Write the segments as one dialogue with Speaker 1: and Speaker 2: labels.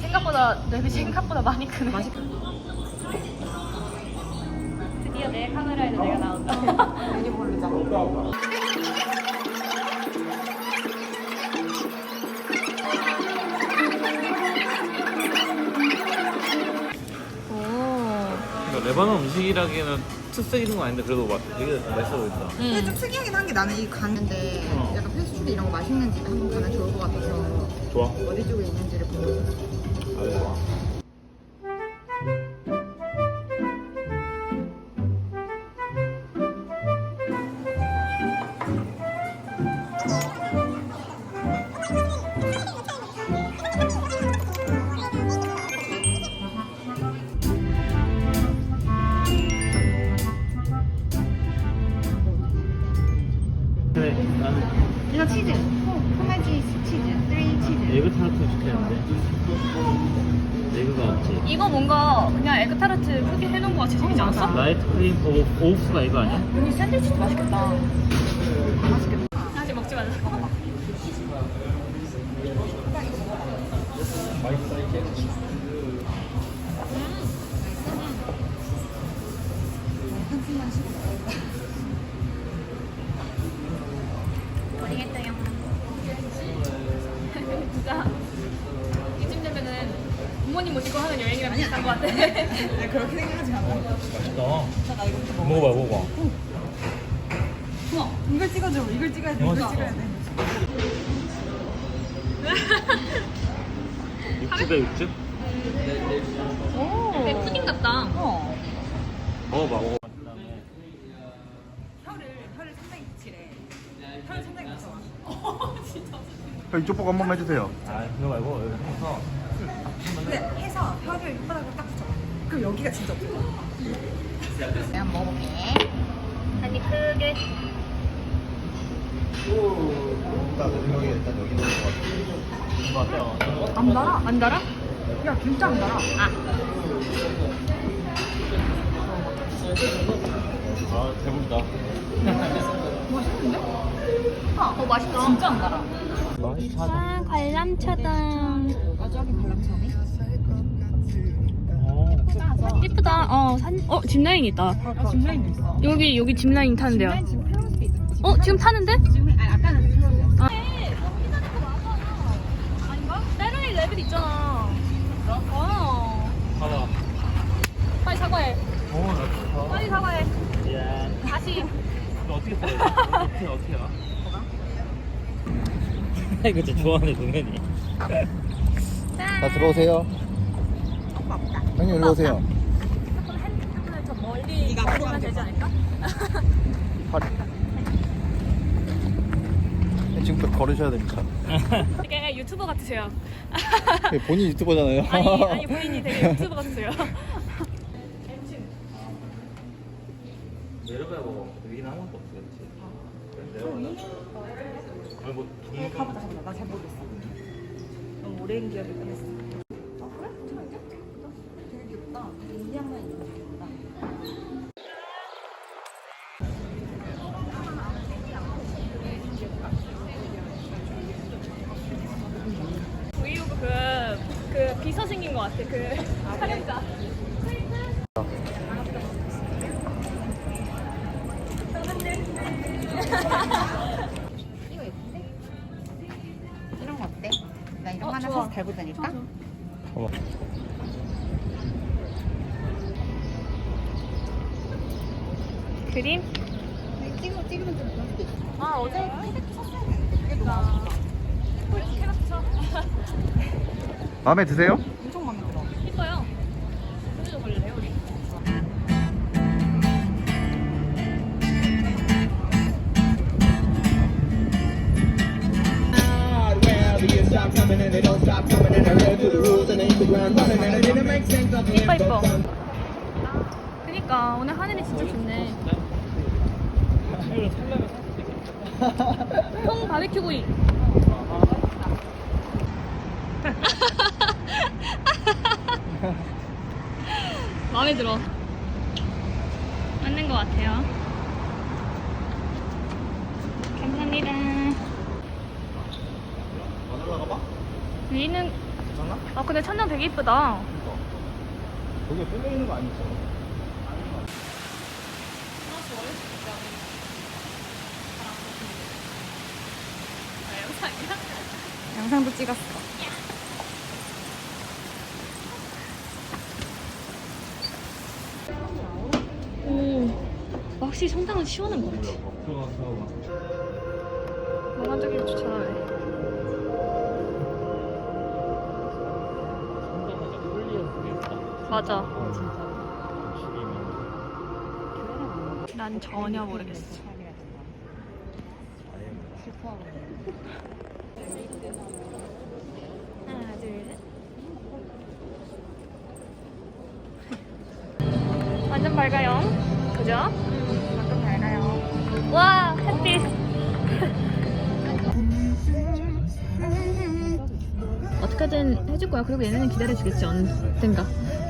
Speaker 1: 생각보다 랩이 생각보다 많이 크네. 드디어 내 카메라에도 내가 나온다.
Speaker 2: 메뉴 고르자.
Speaker 3: 그러니까 레바논 음식이라기에는 특색 있는 건 아닌데 그래도 막 되게 맛있어 보인다.
Speaker 2: 근데 좀 특이하긴 한 게 나는 이 가는데 약간 패스트푸드 이런 거 맛있는 집에 한번 가면 좋을 것 같아서
Speaker 3: 좋아.
Speaker 2: 어디 쪽에 있는지를 보고 있었어.
Speaker 3: 아주 좋아. 그래, 나는
Speaker 2: 이거 치즈. 소매지 치즈. 3 치즈.
Speaker 3: 에그 타르트 시켰는데 에그가 없지.
Speaker 1: 이거 뭔가 그냥 에그타르트 크게 해놓은 거 같이 생기지 않았어?
Speaker 3: 라이트 크림 오우스가 이거 아니야?
Speaker 1: 여기 샌드위치도 맛있겠다. 맛있겠다. 아직 먹지 말자. 먹어봐.
Speaker 2: 한숨만 쉬고.
Speaker 1: 모르겠어요. 진짜 이쯤 되면은 부모님 모시고 하는 여행이랑 비슷한 것 같아.
Speaker 2: 아니, 그렇게 생각하지 않아.
Speaker 3: 맛있다.
Speaker 2: 나 이거 좀
Speaker 3: 먹어봐, 먹어봐.
Speaker 2: 우와, 이걸 찍어줘. 이걸 찍어야 돼. 이걸 찍어야 돼.
Speaker 3: 육즙에 육즙?
Speaker 2: 오.
Speaker 1: 되게 푸딩 같다.
Speaker 2: 어.
Speaker 3: 먹어봐, 먹어봐.
Speaker 2: 혀를 상당히 붙이래. 혀를 상당히 붙여.
Speaker 4: 이쪽 보고 한 번만 해주세요.
Speaker 3: 아, 그거 말고 여기 해서
Speaker 2: 근데 해서 혀를 혓바닥으로 딱 붙여. 그럼 여기가 진짜 없어. 내가 한번 먹어볼게.
Speaker 1: 한입 크게.
Speaker 4: 나 여기 일단 여기 있는 것 같아.
Speaker 3: 맞아요.
Speaker 2: 안 달아?
Speaker 1: 안 달아?
Speaker 2: 야, 진짜 안 달아.
Speaker 1: 아.
Speaker 3: 아, 대박이다.
Speaker 2: 맛있는데?
Speaker 1: 맛있다.
Speaker 2: 진짜 안 달아.
Speaker 3: 맛있다.
Speaker 1: 짠, 관람차다.
Speaker 2: 저기 관람차네.
Speaker 1: 예쁘다. 짚라인 있다.
Speaker 2: 짚라인도 있어.
Speaker 1: 여기 짚라인 타는데요.
Speaker 2: 지금 클로즈돼 있어.
Speaker 1: 지금 타는데?
Speaker 2: 지금 아까는 클로즈.
Speaker 1: 아닌가? 다른 레벨 있잖아.
Speaker 3: 봐봐.
Speaker 1: 빨리 사과해.
Speaker 3: 나 좋다.
Speaker 1: 빨리 사과해.
Speaker 3: 미안.
Speaker 1: 다시.
Speaker 3: 너 어떻게 써? 어떻게 가? 이거 진짜 좋아하네, 동현이.
Speaker 4: 자, 들어오세요. 형님, 일로 오세요.
Speaker 1: 저 멀리 가면 되지 않을까?
Speaker 4: 지금부터 걸으셔야 됩니다.
Speaker 1: 되게 유튜버 같으세요.
Speaker 4: 본인 유튜버잖아요.
Speaker 1: 아니 본인이 되게 유튜버 같으세요.
Speaker 3: 내려가야 먹어. 여기는 아무것도 없어, 그렇지? 내려가자. 아니, 뭐, 동물
Speaker 2: 가보자, 가보자. 나 잘 모르겠어. 너무 오랜 기억이 끝났어. 아, 그래? 괜찮은데? 되게 귀엽다. 인디안만 있는 거 귀엽다.
Speaker 1: 브이로그 그 비서 생긴 것 같아. 그 촬영자.
Speaker 2: 이거 예쁜데? 이런 거 어때? 나 이런 거 하나
Speaker 1: 좋아.
Speaker 2: 사서 달고 다닐까?
Speaker 4: 어머.
Speaker 1: 그림?
Speaker 2: 찍으면 좀 그럴 수도 있어.
Speaker 1: 아 어제
Speaker 2: 캐릭터 샀어야 되는데 그게 너무 아쉽다.
Speaker 1: 캐릭터
Speaker 4: 마음에 드세요?
Speaker 2: 엄청 마음에 들어.
Speaker 1: 이뻐요. 오늘도 걸려요 우리. 이뻐 이뻐. 그니까 오늘 하늘이 진짜 좋네. 형 바베큐 구이. 마음에 들어. 맞는 것 같아요. 감사합니다.
Speaker 4: 안 올라가 봐?
Speaker 1: 여기는
Speaker 3: 괜찮아?
Speaker 1: 아 근데 천장 되게 이쁘다.
Speaker 3: 거기에 뚫려 있는 거 아니죠?
Speaker 2: 영상도 찍었어.
Speaker 1: 오, 확실히 성당은 시원한 것 같아.
Speaker 3: 들어가서
Speaker 1: 몽환적이를 추천하네.
Speaker 3: 상당하자 홀리어 그게 있다.
Speaker 1: 맞아.
Speaker 3: 죽이면
Speaker 1: 난 전혀 모르겠어. 하나, 둘, 셋. 완전 밝아요. 그죠? 완전 밝아요. 와, 햇빛. 어떻게든 해줄 거야. 그리고 얘네는 기다려주겠지, 언젠가.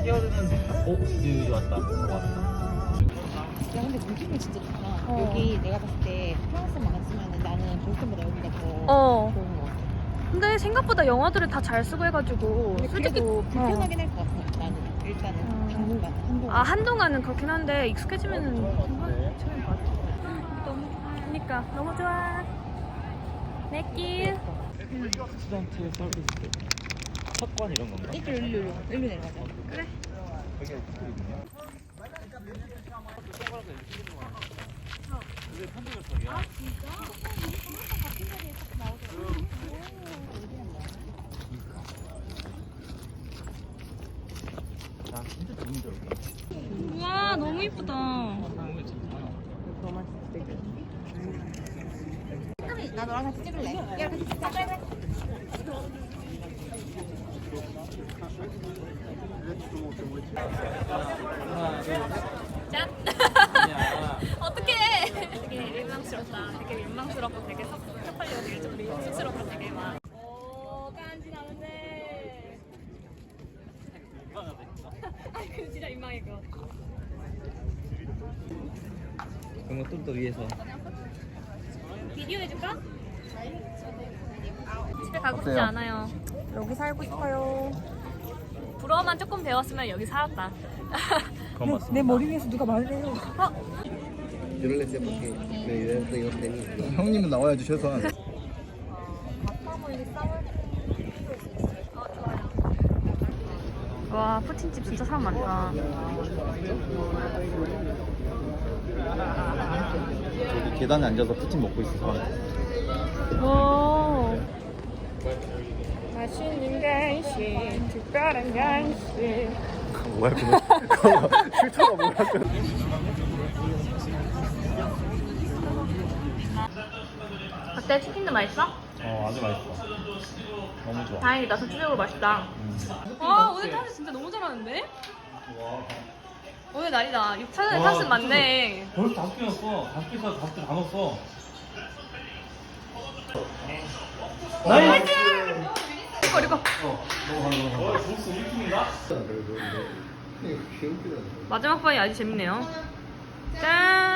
Speaker 3: 여기 왔다. 왔다.
Speaker 2: 야 근데 느낌이 진짜 좋다. 여기 내가 봤을 때 프랑스만 안 쓰면은 나는 보스턴보다 여기가 더
Speaker 1: 어.
Speaker 2: 좋은 것 같아.
Speaker 1: 근데 생각보다 영어들을 다 잘 쓰고 해가지고
Speaker 2: 근데
Speaker 1: 솔직히
Speaker 2: 그래도 불편하긴 할 것 같아. 나는 일단은 당분간 한동안.
Speaker 1: 아 한동안은 그렇긴 한데 익숙해지면은 괜찮을 것 같아. 너무 그러니까 너무 좋아. 내길.
Speaker 3: 스튜던트 서비스 석관 이런 건가?
Speaker 2: 일로 내려가자.
Speaker 1: 그래.
Speaker 3: 여기 있거든요. 나 진짜 좋은 줄 알았다.
Speaker 1: 우와 너무 이쁘다.
Speaker 2: 나 너랑 같이 찍을래. 야 같이 찍자.
Speaker 1: 짠. 어떡해. 되게 민망스럽다. 되게 민망스럽고 되게 섭섭하려 되게 좀 민망스럽고 되게 막. 오 깐지나는데. 아니 그 진짜 민망해 그거.
Speaker 3: 그런 거 좀 더 위에서.
Speaker 1: 비디오 해줄까? 집에 가고 싶지
Speaker 4: 어때요?
Speaker 1: 않아요.
Speaker 2: 여기 살고 싶어요.
Speaker 1: 불어만 조금 배웠으면 여기 살았다.
Speaker 3: 그건 맞습니다.
Speaker 2: 내 머리 위에서 누가 말을 해요.
Speaker 4: Yo no le sé por qué me ayudaste y no tenía. 형님은 나와야지 최소한.
Speaker 1: 와 푸틴집 진짜 사람 많다.
Speaker 3: 저기 계단에 앉아서 푸틴 먹고 있어.
Speaker 1: 오. 맛있는 간식, 특별한 간식.
Speaker 3: 뭐야 그거? 실처가 뭐야?
Speaker 1: 어때? 치킨도 맛있어?
Speaker 3: 아주 맛있어. 너무 좋아.
Speaker 1: 다행이다. 전체적으로 맛있다. 와 오늘 탑스 진짜 너무 잘하는데? 오늘 날이다. 6차전에 탑스 많네.
Speaker 3: 벌써 5개 넣었어. 5개에서 5개 다 넣었어. 나이스!
Speaker 1: 이거 이거.
Speaker 3: 점수 1팀인가?
Speaker 4: 귀엽기도
Speaker 1: 마지막 판이 아주 재밌네요. 짠.